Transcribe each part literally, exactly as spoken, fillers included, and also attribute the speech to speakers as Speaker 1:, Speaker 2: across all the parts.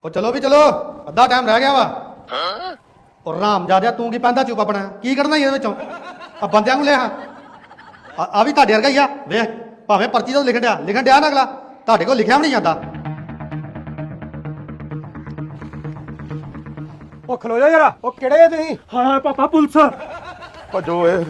Speaker 1: ਉਹ ਚਲੋ ਵੀ ਚਲੋ ਅੱਧਾ ਟਾਈਮ ਰਹਿ ਗਿਆ ਵਾ ਉਹ ਰਾਮ ਜਾਦਿਆ ਤੂੰ ਕੀ ਪੈਂਦਾ ਚੁੱਪ ਆਪਣਾ ਕੀ ਕਰਨਾ ਇਹਦੇ ਵਿੱਚੋਂ ਆ ਬੰਦਿਆਂ ਨੂੰ ਲੈ ਆ ਆ ਵੀ ਤੁਹਾਡੇ ਵਰਗਾ ਹੀ ਆ ਵੇਖ ਭਾਵੇਂ ਪਰਚੀ ਤੋਂ ਲਿਖਣ ਡਿਆ ਲਿਖਣ ਡਿਆ ਨਾ ਅਗਲਾ ਤੁਹਾਡੇ ਕੋਲ ਲਿਖਿਆ ਵੀ ਨਹੀਂ ਜਾਂਦਾ।
Speaker 2: ਉਹ ਖਲੋ ਜਾ ਜਰਾ ਉਹ ਕਿਹੜੇ ਆ ਤੁਸੀਂ?
Speaker 3: ਹਾਂ ਪਾਪਾ ਪੁਲਿਸ
Speaker 2: ਭੱਜੋ ਏ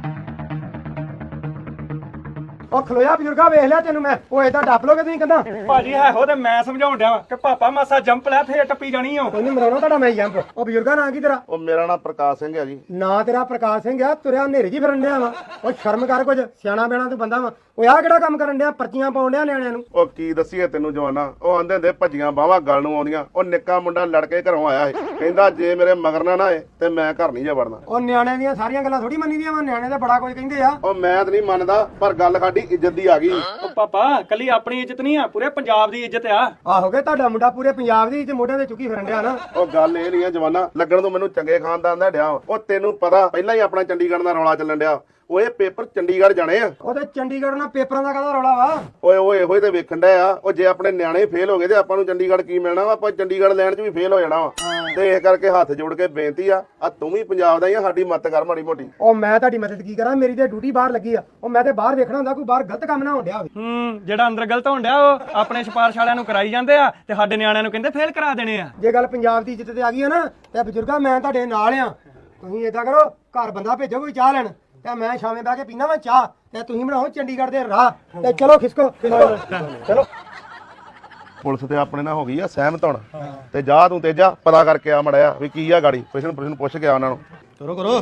Speaker 2: ਉਹ ਖਲੋ ਜਾ ਬਜ਼ੁਰਗਾ ਵੇਖ ਲਿਆ ਤੈਨੂੰ ਮੈਂ ਉਹ ਏਦਾਂ ਡੱਪ ਲੋਗੇ ਤੁਸੀਂ ਕਹਿੰਦਾ
Speaker 3: ਭਾਜੀ ਹੈ ਹੋ ਤੇ ਮੈਂ ਸਮਝਾਉਣ ਡਿਆ ਵਾਂ ਕਿ ਪਾਪਾ ਮਾਸਾ ਜੰਪ ਲੈ ਫੇਰ ਟੱਪੀ ਜਾਣੀ ਓ।
Speaker 2: ਕੋਈ ਨਹੀਂ ਮਰਾਉਣਾ ਤੁਹਾਡਾ ਮੈਂ ਜੰਪ। ਉਹ ਬਜ਼ੁਰਗਾ ਨਾਂ ਕੀ ਤੇਰਾ?
Speaker 4: ਉਹ ਮੇਰਾ ਨਾਮ ਪ੍ਰਕਾਸ਼ ਸਿੰਘ ਹੈ ਜੀ।
Speaker 2: ਨਾਂ ਤੇਰਾ ਪ੍ਰਕਾਸ਼ ਸਿੰਘ ਆ ਤੁਰਿਆ ਹਨੇਰੇ ਜੀ ਫਿਰਨ ਡਿਆ ਵਾ ਉਹ ਸ਼ਰਮ ਕਰ ਕੁਝ ਸਿਆਣਾ ਬੈਣਾ ਤੂੰ ਬੰਦਾ ਵਾ ਉਹ ਆਹ ਕਿਹੜਾ ਕੰਮ ਕਰਨ ਡਿਆ ਪਰਚੀਆਂ ਪਾਉਣ ਡਿਆ ਨਿਆਣਿਆਂ ਨੂੰ?
Speaker 4: ਉਹ ਕੀ ਦੱਸੀਏ ਤੈਨੂੰ ਜਵਾਨਾ ਉਹ ਆਂਦੇ ਹੁੰਦੇ ਭੱਜੀਆਂ ਬਾਹਾਂ ਗੱਲ ਨੂੰ ਆਉਂਦੀਆਂ। ਉਹ ਨਿੱਕਾ ਮੁੰਡਾ ਲੜ ਕੇ ਘਰੋਂ ਆਇਆ ਸੀ ਕਹਿੰਦਾ ਜੇ ਮੇਰੇ ਮਗਰ ਨਾ ਨਾ ਆਏ ਤੇ ਮੈਂ ਘਰ ਨਹੀਂ ਜਾ ਵੜਨਾ।
Speaker 2: ਉਹ ਨਿਆਣਿਆਂ ਦੀਆਂ ਸਾਰੀਆਂ ਗੱਲਾਂ ਥੋੜੀ ਮੰਨੀ ਦੀਆਂ ਵਾ ਨਿਆਣੇ ਤਾਂ ਬੜਾ ਕੁਝ ਕਹਿੰਦੇ ਆ।
Speaker 4: ਉਹ ਮੈਂ ਤਾਂ ਨਹੀਂ ਮੰਨਦਾ ਪਰ ਗੱਲ ਸਾਡੀ ਇੱਜ਼ਤ ਦੀ ਆ ਗਈ।
Speaker 3: ਉਹ ਪਾਪਾ ਕੱਲੀ ਆਪਣੀ ਇੱਜ਼ਤ ਨਹੀਂ ਆ ਪੂਰੇ ਪੰਜਾਬ ਦੀ ਇੱਜ਼ਤ ਆ।
Speaker 2: ਆਹੋਗੇ ਤੁਹਾਡਾ ਮੁੰਡਾ ਪੂਰੇ ਪੰਜਾਬ ਦੀ ਤੇ ਮੋਢਿਆਂ ਤੇ ਚੁੱਕੀ ਫਿਰਨ ਡਿਆ ਨਾ।
Speaker 4: ਉਹ ਗੱਲ ਇਹ ਨਹੀਂ ਆ ਜਵਾਨਾ ਲੱਗਣ ਤੋਂ ਮੈਨੂੰ ਚੰਗੇ ਖਾਨਦਾਨ ਦਾ ਡਿਆ। ਉਹ ਤੈਨੂੰ ਪਤਾ ਪਹਿਲਾਂ ਹੀ ਆਪਣਾ ਚੰਡੀਗੜ੍ਹ ਦਾ ਰੌਲਾ ਚੱਲਣ ਡਿਆ। ਉਹ ਇਹ ਪੇਪਰ ਚੰਡੀਗੜ੍ਹ ਜਾਣੇ ਆ।
Speaker 2: ਉਹਦੇ ਚੰਡੀਗੜ੍ਹ ਨਾਲ ਪੇਪਰਾਂ ਦਾ ਕਾਹਦਾ ਰੌਲਾ ਵਾ?
Speaker 4: ਓਏ ਓਏ ਇਹੋ ਹੀ ਤੇ ਵੇਖਣ ਡਿਆ ਆ। ਉਹ ਜੇ ਆਪਣੇ ਨਿਆਣੇ ਫੇਲ ਹੋ ਗਏ ਤੇ ਆਪਾਂ ਨੂੰ ਚੰਡੀਗੜ੍ਹ ਕੀ ਮਿਲਣਾ ਵਾ? ਆਪਾਂ ਚੰਡੀਗੜ੍ਹ ਲੈਣ 'ਚ ਵੀ ਫੇਲ ਹੋ ਜਾਣਾ ਵਾ। ਤੇ ਇਸ ਕਰਕੇ ਹੱਥ ਜੋੜ ਕੇ ਬੇਨਤੀ ਆ ਆ ਤੂੰ ਵੀ ਪੰਜਾਬ ਦਾ ਹੀ ਆ ਸਾਡੀ ਮਦਦ ਕਰ ਮਾੜੀ ਮੋਟੀ।
Speaker 2: ਉਹ ਮੈਂ ਤੁਹਾਡੀ ਮਦਦ ਕੀ ਕਰਾਂ ਮੇਰੀ ਤੇ ਡਿਊਟੀ ਬਾਹਰ ਲੱਗੀ ਆ। ਉਹ ਮੈਂ ਤੇ ਬਾਹਰ ਵੇਖਣਾ ਹੁੰਦਾ ਕੋਈ ਬਾਹਰ ਗਲਤ ਕੰਮ ਨਾ ਹੋਣ ਡਿਆ ਹੋਵੇ।
Speaker 3: ਹੂੰ ਜਿਹੜਾ ਅੰਦਰ ਗਲਤ ਹੋਣ ਡਿਆ ਉਹ ਆਪਣੇ ਸਿਫਾਰਿਸ਼ ਵਾਲਿਆਂ ਨੂੰ ਕਰਾਈ ਜਾਂਦੇ ਆ ਤੇ ਸਾਡੇ ਨਿਆਣਿਆਂ ਨੂੰ ਕਹਿੰਦੇ ਫੇਲ ਕਰਾ ਦੇਣੇ ਆ।
Speaker 2: ਜੇ ਗੱਲ ਪੰਜਾਬ ਦੀ ਇੱਜ਼ਤ ਤੇ ਆ ਗਈ ਆ ਨਾ ਤੇ ਬਜ਼ੁਰਗਾ ਮੈਂ ਤੁਹਾਡੇ ਨਾਲ ਆ। ਤੁਸੀਂ ਏਦਾਂ ਕਰੋ ਘਰ ਬੰਦਾ ਭੇਜੋ ਕੋਈ ਚਾਹ ਲੈਣ ਤੇ ਮੈਂ ਸ਼ਾਮੇ ਬਹਿ ਕੇ ਪੀਣਾ ਵਾ ਚਾਹ ਤੇ ਤੁਸੀਂ ਬਣਾਓ ਚੰਡੀਗੜ੍ਹ ਦੇ ਰਾਹ ਤੇ ਚਲੋ ਖਿਸਕੋ ਚਲੋ।
Speaker 4: ਪੁਲਿਸ ਤੇ ਆਪਣੇ ਨਾਲ ਹੋ ਗਈ ਆ ਸਹਿਮਤ ਹੁਣ ਤੇ ਜਾ ਤੂੰ ਤੇਜਾ ਪਤਾ ਕਰਕੇ ਆ ਮੜਿਆ ਵੀ ਕੀ ਆ ਗਾੜੀ ਪ੍ਰਸ਼ਨ ਪ੍ਰਸ਼ਨ ਪੁੱਛ ਕੇ ਆ ਉਹਨਾਂ ਨੂੰ।
Speaker 1: ਕਰੋ ਕਰੋ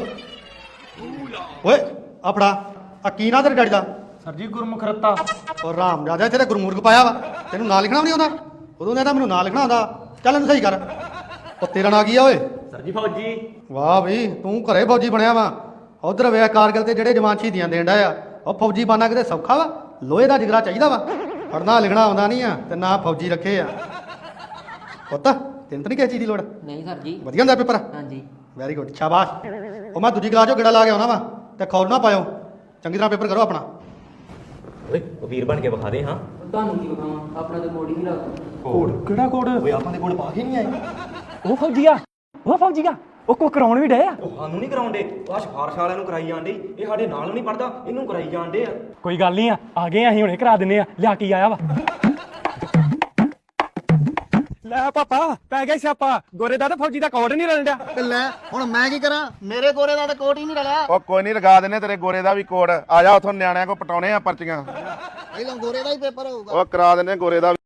Speaker 1: ਓਏ ਆ ਫੜਾ ਆ ਕੀ ਨਾ ਤੇਰੇ ਡੈਡੀ ਦਾ?
Speaker 3: ਸਰ ਜੀ ਗੁਰਮੁਖ ਰੱਤਾ।
Speaker 1: ਉਹ ਰਾਮ ਜਾਦਿਆ ਤੇਰੇ ਗੁਰਮੂਰਖ ਪਾਇਆ ਵਾ ਤੈਨੂੰ ਨਾਂ ਲਿਖਣਾ ਵੀ ਨਹੀਂ ਆਉਂਦਾ? ਉਦੋਂ ਕਹਿੰਦਾ ਮੈਨੂੰ ਨਾਂ ਲਿਖਣਾ ਆਉਂਦਾ। ਚੱਲ ਇਹਨੂੰ ਸਹੀ ਕਰ। ਉਹ ਤੇਰਾ ਨਾਂ ਕੀ ਆ ਓਏ?
Speaker 3: ਸਰ ਜੀ ਫੌਜੀ।
Speaker 1: ਵਾਹ ਬਈ ਤੂੰ ਘਰੇ ਫੌਜੀ ਬਣਿਆ ਵਾ। ਉਧਰ ਵੇਖ ਕਾਰਗਿਲ ਤੇ ਜਿਹੜੇ ਜਵਾਨ ਸ਼ਹੀਦੀਆਂ ਦੇਣ ਡਿਆ ਆ ਉਹ ਫੌਜੀ ਬਾਨਾ ਕਿਤੇ ਸੌਖਾ ਵਾ? ਲੋਹੇ ਦਾ ਜਿਗਰਾ ਚਾਹੀਦਾ ਵਾ। ਪੜਨਾ ਲਿਖਣਾ ਆਉਂਦਾ ਨਹੀਂ ਆ ਤੇ ਨਾ ਫੌਜੀ ਰੱਖੇ ਆ। ਪੁੱਤ ਤੈਨੂੰ ਤਾਂ ਨਹੀਂ ਕਿਸੇ ਚੀਜ਼ ਦੀ ਲੋੜ?
Speaker 5: ਨਹੀਂ ਸਰ ਜੀ।
Speaker 1: ਵਧੀਆ ਹੁੰਦਾ ਪੇਪਰ?
Speaker 5: ਹਾਂਜੀ
Speaker 1: ਵੈਰੀ ਗੁੱਡ ਸ਼ਾਬਾਸ਼। ਉਹ ਮੈਂ ਦੂਜੀ ਕਲਾਸ ਚੋਂ ਗੇੜਾ ਲਾ ਕੇ ਆਉਣਾ ਵਾ ਤੇ ਖੌਲ ਨਾ ਪਾਇਓ। ਚੰਗੀ ਤਰ੍ਹਾਂ ਪੇਪਰ ਕਰੋ ਆਪਣਾ।
Speaker 6: ਓਏ ਉਹ ਵੀਰ ਬਣ ਕੇ ਵਿਖਾ ਦੇ। ਹਾਂ
Speaker 5: ਤੁਹਾਨੂੰ ਕੀ ਬਖਾਵਾਂ ਆਪਣਾ ਤੇ ਮੋੜੀ ਨਹੀਂ ਲੱਗਦਾ।
Speaker 3: ਕੋਡ ਕਿਹੜਾ ਕੋਡ?
Speaker 1: ਓਏ ਆਪਾਂ ਦੇ ਕੋਲ ਪਾ ਕੇ ਨਹੀਂ ਆਏ।
Speaker 3: ਉਹ ਫੌਜੀ ਆ ਉਹ ਫੌਜੀ ਆ ਉਹ ਕੋ ਕਰਾਉਣ ਵੀ ਡਏ ਆ।
Speaker 6: ਉਹ ਸਾਨੂੰ ਨਹੀਂ ਕਰਾਉਂਦੇ ਆਹ ਸਿਫਾਰਿਸ਼ ਵਾਲਿਆਂ ਨੂੰ ਕਰਾਈ ਜਾਂਦੇ। ਇਹ ਸਾਡੇ ਨਾਲ ਨਹੀਂ ਪੜਦਾ ਇਹਨੂੰ ਕਰਾਈ ਜਾਂਦੇ ਆ।
Speaker 3: ਕੋਈ ਗੱਲ ਨਹੀਂ ਆ ਆ ਗਏ ਅਸੀਂ ਹੁਣੇ ਕਰਾ ਦਿੰਨੇ ਆ ਲਿਆ ਕੀ ਆਇਆ ਵਾ। ਲੈ ਪਾਪਾ ਪੈ ਗਿਆ ਸਿਆਪਾ ਗੋਰੇ ਦਾ ਤੇ ਫੌਜੀ ਦਾ ਕੋਡ ਨਹੀਂ ਰਲਣ ਡਿਆ।
Speaker 1: ਲੈ ਹੁਣ ਮੈਂ ਕੀ ਕਰਾਂ ਮੇਰੇ ਗੋਰੇ ਦਾ ਤਾਂ ਕੋਟ ਹੀ ਨਹੀਂ ਰਲਿਆ।
Speaker 4: ਉਹ ਕੋਈ ਨਹੀਂ ਲਗਾ ਦਿੰਨੇ ਤੇਰੇ ਗੋਰੇ ਦਾ ਵੀ ਕੋਡ। ਆ ਜਾ ਉਥੋਂ ਨਿਆਣਿਆਂ ਕੋ ਪਟਾਉਣੇ ਆ ਪਰਚੀਆਂ।
Speaker 1: ਪਹਿਲਾਂ ਗੋਰੇ ਦਾ ਹੀ ਪੇਪਰ ਹੋਊਗਾ।
Speaker 4: ਉਹ ਕਰਾ ਦਿੰਨੇ ਗੋਰੇ ਦਾ।